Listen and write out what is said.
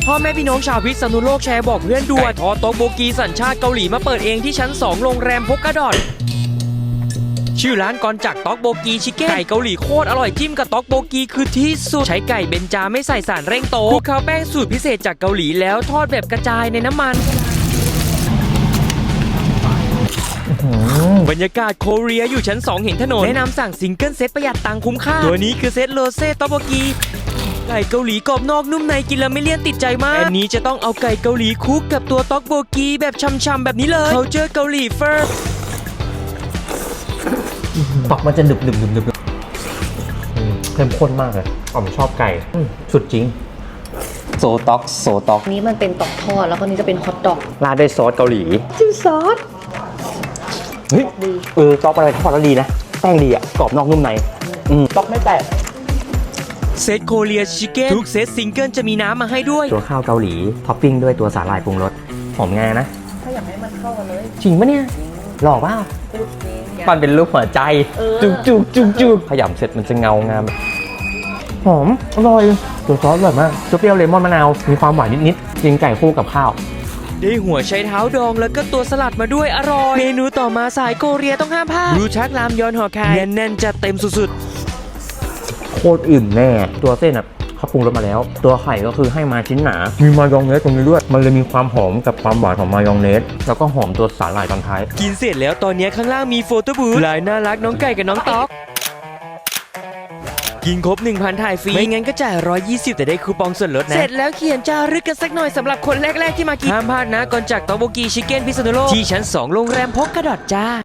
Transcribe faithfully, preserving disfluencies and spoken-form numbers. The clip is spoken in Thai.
พ่อแม่พี่น้องชาวพิษณุโลกแชร์บอกเพื่อนด่วนทอโต๊ะโบกีสัญชาติเกาหลีมาเปิดเองที่ชั้นสองโรงแรมพกกระดอดชื่อร้านกอนจากต๊อกโบกีชิคเก้นไก่เกาหลีโคตรอร่อยจิ้มกับต๊อกโบกีคือที่สุดใช้ไก่เบนจาไม่ใส่สารเร่งโตคลุกเคล้าแป้งสูตรพิเศษจากเกาหลีแล้วทอดแบบกระจายในน้ำมันบรรยากาศโคเรียอยู่ชั้นสองเห็นถนนแนะนำสั่งซิงเกิลเซตประหยัดตังค์คุ้มค่าตัวนี้คือเซตโรเซ่ต๊อกโบกีไก่เกาหลีกรอบนอกนุ่มในกินแล้วไม่เลี่ยนติดใจมากอันนี้จะต้องเอาไก่เกาหลีคลุกกับตัวต๊อกโบกีแบบช่ำๆแบบนี้เลยเขาเจอเกาหลีเฟิร์สตอกมันจะหนึบหนึบหนึบหนึบเข้มข้นมากเลยผมชอบไก่สุดจริงโซต็อกโซต็อกนี้มันเป็นตอกทอดแล้วก็นี้จะเป็นฮอทดอกราดด้วยซอสเกาหลีจิ้มซอสเฮ้ยเออต๊อกอะไรทอดแล้วดีนะแป้งดีอ่ะกรอบนอกนุ่มในอืมต๊อกไม่แตกเซตโคเรียชิคเก้นทุกเซตซิงเกิลจะมีน้ำมาให้ด้วยตัวข้าวเกาหลีท็อปปิ้งด้วยตัวสาหร่ายปรุงรสหอมงานะถ้าอยากให้มันเข้ากันเลยจริงปะเนี่ยหล่อเปล่ามันเป็นรูปหัวใจจุกจุกจุกจุกขยำเสร็จมันจะเงางามหอมอร่อยตัวซอสอร่อยมากเปรี้ยวเลมอนมะนาวมีความหวานนิดๆกินไก่คู่กับข้าวได้หัวไชเท้าดองแล้วก็ตัวสลัดมาด้วยอร่อยเมนูต่อมาสายโคเรียต้องห้ามพลาดรูชักรามยอนห่อไข่แน่นๆจัดเต็มสุดๆโคตรอิ่มแน่ตัวเส้นอ่ะเขาปรุงรสมาแล้วตัวไข่ก็คือให้มาชิ้นหนามีมายองเนสตรงนี้ด้วยมันเลยมีความหอมกับความหวานของมายองเนสแล้วก็หอมตัวสาหร่ายตอนท้ายกินเสร็จแล้วตอนนี้ข้างล่างมีโฟโต้บูธลายน่ารักน้องไก่กับน้องต๊อกกินครบ หนึ่งพัน ถ่ายฟรีไม่งั้นก็จ่ายหนึ่งร้อยยี่สิบแต่ได้คูปองส่วนลดนะเสร็จแล้วเขียนจารึกกันสักหน่อยสำหรับคนแรกๆที่มากินห้ามพลาดนะก่อนจากต๊อกโบกีชิคเก้นพิษณุโลกที่ชั้นสองโรงแรมพกกระดอดจ้า